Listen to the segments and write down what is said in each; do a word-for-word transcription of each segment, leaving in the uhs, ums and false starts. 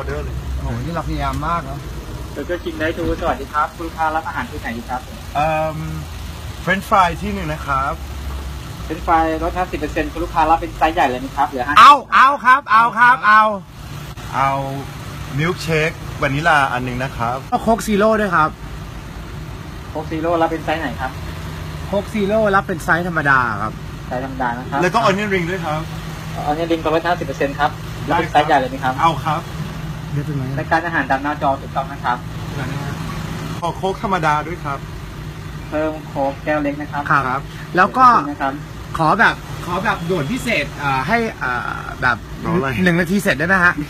อเดอร์เลยโอ้โหนี่เราพยายามมากเนาะเบอร์เกอร์คิงได้ทูสวัสดีครับคุณลูกค้ารับอาหารที่ไหนดีครับเอ่อเฟรนช์ฟรายที่หนึ่งนะครับเป็นไฟลดห้าสิบเปอร์เซ็นต์คุณลูกค้ารับเป็นไซส์ใหญ่เลยไหมครับเหลือห้าเอาเอาครับเอาครับเอาเอามิลค์เชควานิลาอันหนึ่งนะครับก็โค้กซีโร่ด้วยครับโค้กซีโร่รับเป็นไซส์ไหนครับโค้กซีโร่รับเป็นไซส์ธรรมดาครับไซส์ธรรมดานะครับแล้วก็ออนเนียนริงด้วยครับออนเนียนริงก็ลดห้าสิบเปอร์เซ็นต์ครับรับเป็นไซส์ใหญ่เลยไหมครับเอาครับเดี๋ยวเป็นไหมรายการอาหารตามหน้าจอถูกต้องนะครับขอโค้กธรรมดาด้วยครับเพิ่มโค้กแก้วเล็กนะครับครับแล้วก็ขอแบบขอแบบด่วนพิเศษให้แบบหนึ่งนาทีเสร็จได้ไหมฮะ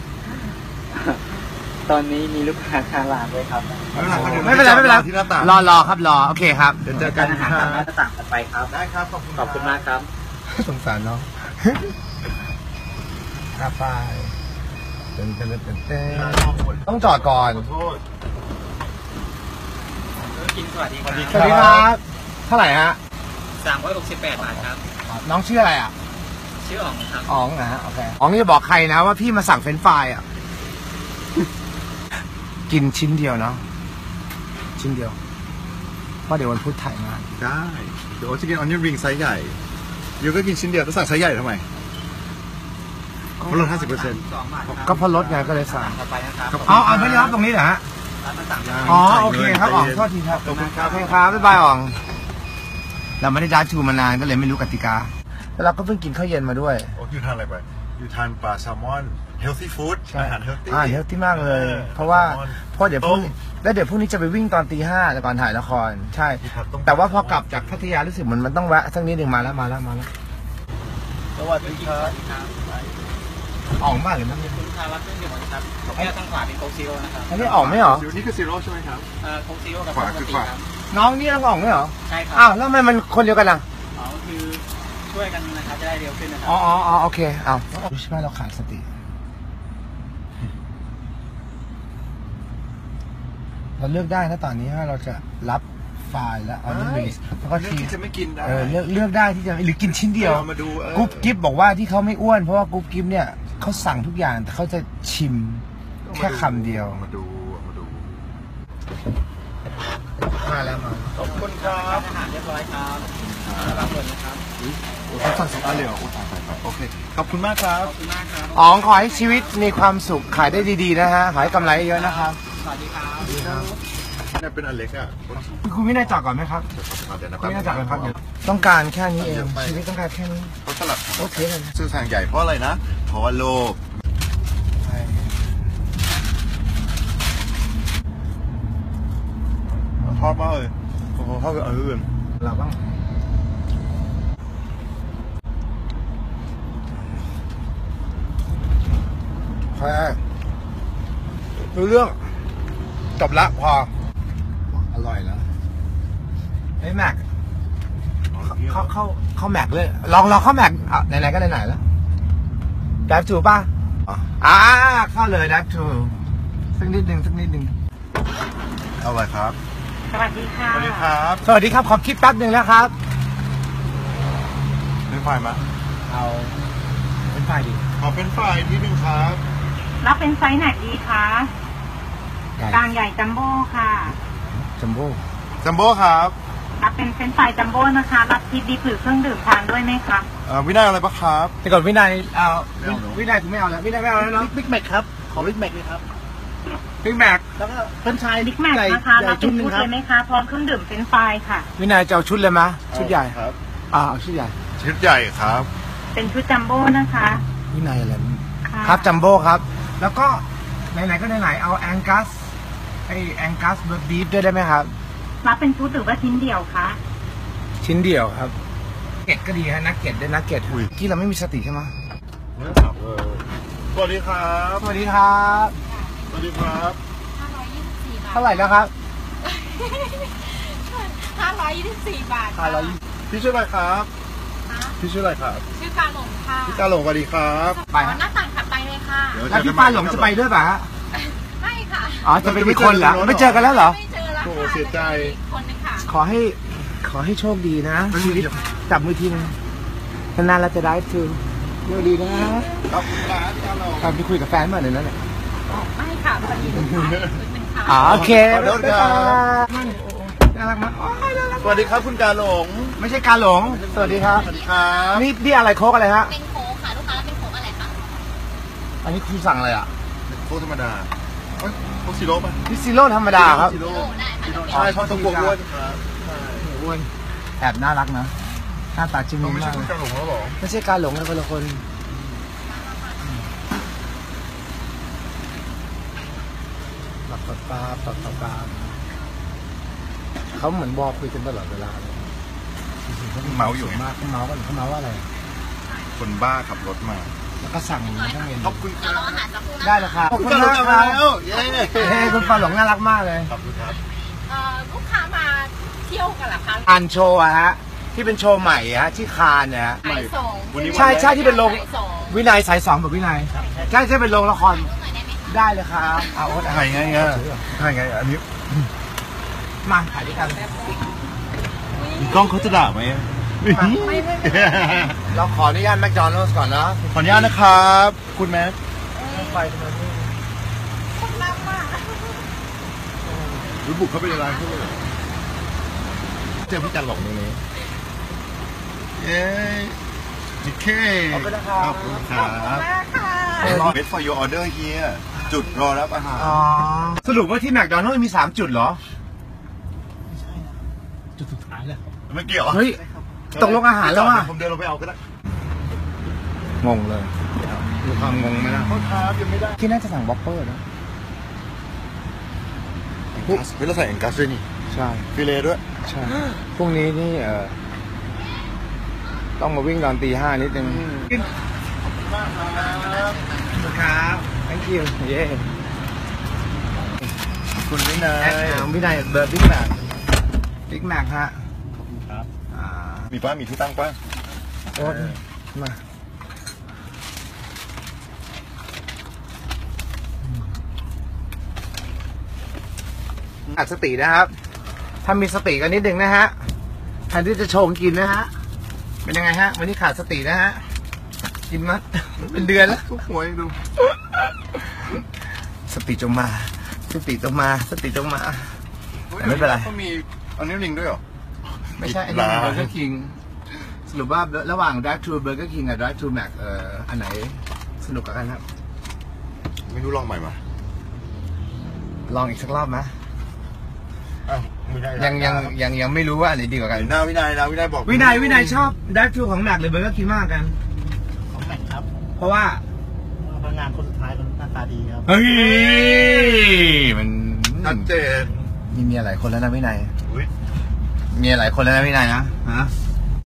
ตอนนี้มีลูกค้าคาร้านด้วยครับไม่เป็นไรไม่เป็นไรรอรอครับรอโอเคครับเดี๋ยวเจอกันอาหารตามหน้าต่างกันไปครับได้ครับขอบคุณขอบคุณมากครับสงสารเนาะกาแฟเต้นเต้นเต้นเต้นต้องจอดก่อนกินสวัสดีครับสวัสดีครับเท่าไหร่ฮะสามร้อยหกสิบแปดบาทครับน้องชื่ออะไรอ่ะชื่ออ๋องครับอ๋องนะฮะโอเคอ๋องจะบอกใครนะว่าพี่มาสั่งเฟรนช์ฟรายอ่ะกินชิ้นเดียวเนาะชิ้นเดียวเพราะเดี๋ยววันพุธถ่ายงานได้เดี๋ยวจะกินออนเนียนริงไซส์ใหญ่ยูก็กินชิ้นเดียวต้องสั่งไซส์ใหญ่ทำไมลดห้าสิบเปอร์เซ็นต์ก็พอลดไงก็เลยสั่งอ๋ออ๋อไม่ได้รับตรงนี้เหรอฮะอ๋อโอเคครับอ๋องโทษทีครับโอเคครับบ๊ายบายอ๋องเราไม่ได้จ้าชูมานานก็เลยไม่รู้กติกาแล้วเราก็เพิ่งกินข้าวเย็นมาด้วยโอ้ยูทานอะไรไปยูทานปลาแซลมอนเฮลตี้ฟู้ดอาหารเฮลตี้อ่าเฮลตี้มากเลยเพราะว่าเพราะเดี๋ยวพรุ่งแล้วเดี๋ยวพรุ่งนี้จะไปวิ่งตอนตีห้าแต่ก่อนถ่ายละครใช่แต่ว่าพอกลับจากพัทยารู้สึกมันมันต้องแวะสักนิดหนึ่งมาแล้วมาแล้วมาแล้วสวัสดีครับอ่องมากเลยมั้งคุณลูกค้ารับเครื่องดื่มครับแก้วทางขวาเป็นโค้กซีโร่นะครับอันนี้อ่องไม่หรอนี่คือซีโร่ใช่ไหมครับเอ่อโค้กซีโร่กับขวาคือขวาน้องนี่ต้องอ่องไม่หรอใช่ครับอ้าวแล้วทำไมมันคนเดียวกันล่ะอ๋อคือช่วยกันนะครับจะได้เร็วขึ้นนะครับอ๋ออ๋อโอเคอ้าวรู้ใช่ไหมเราขาดสติเราเลือกได้นะตอนนี้ว่าเราจะรับไฟล์แล้วเอาเรื่องนี้แล้วก็ที่จะไม่กินได้เออเลือกเลือกได้ที่จะหรือกินชิ้นเดียวกุ๊บกิ๊บบอกว่าที่เขาไม่อ้วนเพราะว่ากุ๊บกิ๊บเนี่ยเขาสั่งทุกอย่างแต่เขาจะชิมแค่คำเดียวมาดูมาดูมาแล้วมาขอบคุณครับอาหารเรียบร้อยครับรับเลยนะครับโอ้สั่งสองอันเลยเหรอโอเคขอบคุณมากครับขอบคุณมากครับอ๋อขอให้ชีวิตมีความสุขขายได้ดีๆนะฮะขายกำไรเยอะนะครับสวัสดีครับนี่เป็นอันเล็กอ่ะคุณไม่ได้จอดก่อนไหมครับคุณไม่ได้จอดก่อนครับต้องการแค่นี้เองชีวิตต้องการแค่นี้เขาสลับโอเคเลยซื้อสั่งใหญ่เพราะอะไรนะเพราะว่าโลภทอดมากเลยโอ้โหทอดกับอื่นเราบ้างแค่รู้เรื่องจบละพออร่อยแล้วไอ้แม็กเข้าเข้าเข้าแม็กเลยลองลองเข้าแม็กไหนๆก็ไหนๆแล้วดับจูป่ะอ่าเข้าเลยดับจูสักนิดหนึ่งสักนิดหนึ่งเอาเลยครับสวัสดีค่ะสวัสดีครับสวัสดีครับขอคิดแป๊บหนึ่งแล้วครับเป็นไฟมาเอาเป็นไฟดีขอเป็นไฟที่หนึ่งครับรับเป็นไซส์ไหนดีคะกลางใหญ่จัมโบ้ค่ะจัมโบ้จัมโบ้ครับรับเป็นเฟรนช์ฟรายจัมโบ้นะคะรับทิปดิบหรือเครื่องดื่มทานด้วยไหมคะเอ่อวินัยอะไรปะครับแต่ก่อนวินัยเอาวินัยคุณไม่เอาแล้ววินัยไม่เอาแล้วเนาะบิ๊กแม็กครับขอบิ๊กแม็กเลยครับบิ๊กแม็กแล้วก็เฟรนช์ฟรายบิ๊กแม็กนะคะรับเป็นชุดเลยไหมคะพร้อมเครื่องดื่มเฟรนช์ฟรายค่ะวินัยจะเอาชุดเลยไหมชุดใหญ่ครับอ่าเอาชุดใหญ่ชุดใหญ่ครับเป็นชุดจัมโบ้นะคะวินัยอะไรครับจัมโบ้ครับแล้วก็ไหนๆก็ไหนๆเอาแองกัสไอแองกัสเบอร์บีฟด้วยได้ไหมครับรับเป็นชุดหรือว่าชิ้นเดียวคะชิ้นเดียวครับเก็ตก็ดีฮะนักเก็ตด้วยนักเก็ตที่เราไม่มีสติใช่ไหมสวัสดีครับสวัสดีครับสวัสดีครับห้าร้อยยี่สิบสี่บาทเท่าไหร่แล้วครับห้าร้อยยี่สิบสี่บาทห้าร้อยพี่ชื่ออะไรครับพี่ชื่ออะไรครับชื่อกาหลงค่ะพี่กาหลงสวัสดีครับไปหน้าต่างถัดไปเลยค่ะแล้วพี่ปาหลงจะไปด้วยป่ะฮะไม่ค่ะอ๋อจะไปมีคนเหรอไม่เจอกันแล้วเหรอไม่เจอแล้วโอ้เสียใจคนนึงค่ะขอให้ขอให้โชคดีนะชีวิตจับมือทีนึงนานๆเราจะได้คือเดี๋ยวดีนะครับขอบคุณครับพี่กาหลงครับไปคุยกับแฟนมาหน่อยนั่นแหละไม่ค่ะพอดีลูกค้าเป็นค่ะอ๋อโอเคขอโทษครับน่ารักมากโอ้ยน่ารักสวัสดีครับคุณกาหลงไม่ใช่การหลงสวัสดีครับสวัสดีครับนี่นี่อะไรโค้กอะไรฮะเป็นโค้กค่ะลูกค้าแล้วเป็นโค้กอะไรคะอันนี้คุณสั่งอะไรอ่ะโค้กธรรมดาเอ้ยโค้กซีโร่ป่ะพิซซิโร่ธรรมดาครับซีโร่โอ้ได้ค่ะใช่เพราะต้องกลัวอ้วนครับอ้วนแอบน่ารักนะหน้าตาจิ้มเราลิ้มไม่ใช่มากคุเลณยกาหลงแล้วหรอไม่ใช่การหลงนะคนละคนปากปลาปากปลาเขาเหมือนบอกคุยกันตลอดเวลาเลยเมาอยู่มากเขาเมากันเขาเมาว่าอะไรคนบ้าขับรถมาแล้วก็สั่งทั้งเมนูขอบคุณคเดี๋ยวรัรอบ อาหารสักครู่นะได้เลยครับขอบคุณครับแล้วเย้เฮ้ยคุณปลาหลงน่ารักมากเลยขอบคุณครับเอ่อลูกค้ามาเที่ยวกันเหรอคะอันโชว์อะฮะที่เป็นโชว์ใหม่อะฮะที่คานเนี่ยฮะขายส่งวันนี้ใช่ใช่ที่เป็นโรงขายส่งวินัยสายสองแบบวินัยใช่ใช่เป็นโรงละครลูกหน่อยได้ไหมคะได้เลยครับเอาโอ๊ตถ่ายไงอ่ะถ่ายไงอันนี้มาถ่ายด้วยกันกล้องเขาจะด่าไหมเราขออนุญาตแมคโดนัลด์ก่อนนะขออนุญาตนะครับ คุณแม็กไปทำไมนี่รู้บุกเข้าไปในร้านเขาเลยเจอพี่จันหลงตรงนี้เย้โอเคขอบคุณนะครับขอบคุณครับรอ wait for your order here จุดรอรับอาหารอ๋อสรุปว่าที่แมคโดนัลด์มีสามจุดเหรอจุดสุดท้ายแล้วไม่เกี่ยวเฮ้ยตกลงอาหารแล้วอ่ะผมเดินลงไปเอาก็ได้งงเลยมีความงงไหมล่ะโทษครับยังไม่ได้ที่น่าจะสั่งวอปเปอร์นะเฮ้ยเราใส่แองกัสด้วยนี่ใช่ฟิเลด้วยใช่พรุ่งนี้นี่เออต้องมาวิ่งตอนตีห้านิดนึงมากครับครับ thank you เย้คุณวินัแอดยอ่าวินัยเบอร์บิ๊กแมกบิ๊กแมกฮะครับอ่ามีป้ามีที่ตั้งป้าโอ๊ตมาอัดสตินะครับถ้ามีสติกันนิดนึงนะฮะแทนที่จะโชงกินนะฮะเป็นยังไงฮะวันนี้ขาดสตินะฮะกินมาเป็นเดือนแล้วทุกหัวดูสติจงมา สติจงมา สติจงมา แต่ไม่เป็นไรเขามีอันนี้ลิงด้วยเหรอไม่ใช่อันนี้เบอร์เกอร์คิงสรุปว่าระหว่าง Drive to Burger King กับ Drive to Mac เอ่ออันไหนสนุกกว่ากันครับไม่รู้ลองใหม่มาลองอีกสักรอบไหมอ้าวไม่ได้ยังยังยังยังไม่รู้ว่าอันไหนดีกว่ากันหน้าวินัยนะวินัยบอกวินัยวินัยชอบ Drive to ของ Mac หรือ Burger King มากกันของแม็กครับเพราะว่าพนักงานคนสุดท้ายคนหน้าตาดีครับเฮ้ย มันชัดเจนมีเมียหลายคนแล้วนะวินัยอุ๊ยเมียหลายคนแล้วนะวินัยนะฮะ